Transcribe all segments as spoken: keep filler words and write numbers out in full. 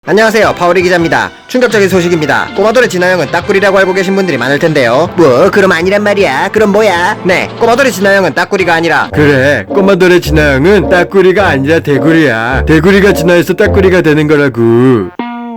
안녕하세요, 파오리 기자입니다. 충격적인 소식입니다. 꼬마돌의 진화형은 따꾸리라고 알고 계신 분들이 많을 텐데요. 뭐 그럼 아니란 말이야. 그럼 뭐야? 네, 꼬마돌의 진화형은 따꾸리가 아니라 그래, 꼬마돌의 진화형은 따꾸리가 아니라 대구리야. 대구리가 진화해서 따꾸리가 되는 거라고.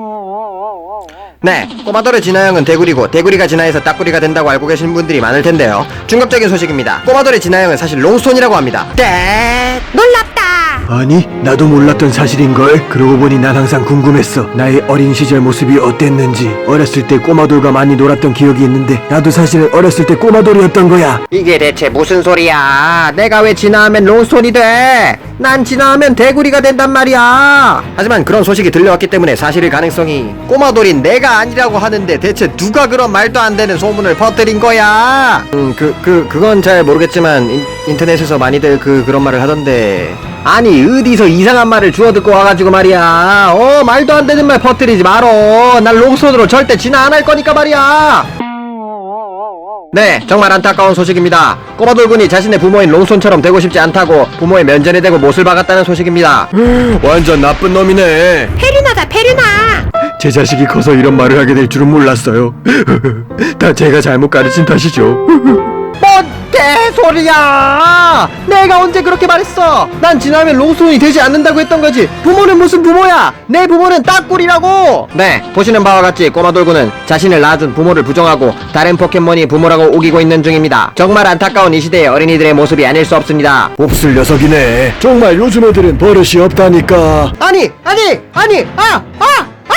네, 꼬마돌의 진화형은 대구리고 대구리가 진화해서 따꾸리가 된다고 알고 계신 분들이 많을 텐데요. 충격적인 소식입니다. 꼬마돌의 진화형은 사실 롱스톤이라고 합니다. 네, 놀랍다. 아니, 나도 몰랐던 사실인걸. 그러고 보니 난 항상 궁금했어. 나의 어린 시절 모습이 어땠는지. 어렸을 때 꼬마돌과 많이 놀았던 기억이 있는데 나도 사실은 어렸을 때 꼬마돌이었던 거야. 이게 대체 무슨 소리야? 내가 왜 진화하면 롱스톤이 돼? 난 진화하면 대구리가 된단 말이야. 하지만 그런 소식이 들려왔기 때문에 사실일 가능성이, 꼬마돌인 내가 아니라고 하는데 대체 누가 그런 말도 안 되는 소문을 퍼뜨린 거야? 음, 그, 그, 그건 잘 모르겠지만 인, 인터넷에서 많이들 그, 그런 말을 하던데. 아니, 어디서 이상한 말을 주워 듣고 와가지고 말이야. 어, 말도 안 되는 말 퍼뜨리지 말어. 난 롱스톤으로 절대 진화 안 할 거니까 말이야. 네, 정말 안타까운 소식입니다. 꼬마돌군이 자신의 부모인 롱손처럼 되고 싶지 않다고 부모의 면전에 대고 못을 박았다는 소식입니다. 완전 나쁜 놈이네. 페류나다 페류나. 제 자식이 커서 이런 말을 하게 될 줄은 몰랐어요. 다 제가 잘못 가르친 탓이죠. 뭔 개소리야! 내가 언제 그렇게 말했어? 난 진화하면 롱손이 되지 않는다고 했던 거지. 부모는 무슨 부모야? 내 부모는 따꾸리라고! 네, 보시는 바와 같이 꼬마돌군은 자신을 낳아준 부모를 부정하고 다른 포켓몬이 부모라고 우기고 있는 중입니다. 정말 안타까운 이 시대의 어린이들의 모습이 아닐 수 없습니다. 몹쓸 녀석이네. 정말 요즘 애들은 버릇이 없다니까. 아니! 아니! 아니! 아! 아!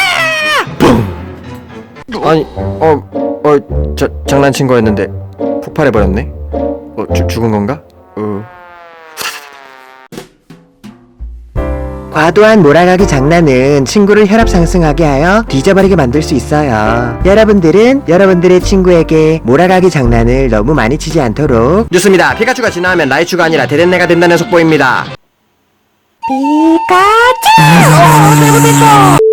아! 아니, 어, 어, 저, 장난친 거였는데 폭발해버렸네? 어, 주, 죽은 건가? 어. 과도한 몰아가기 장난은 친구를 혈압 상승하게 하여 뒤져버리게 만들 수 있어요. 여러분들은 여러분들의 친구에게 몰아가기 장난을 너무 많이 치지 않도록. 좋습니다. 피카츄가 진화하면 라이츄가 아니라 데덴네가 된다는 속보입니다. 피카츄. 어, 잘못했어.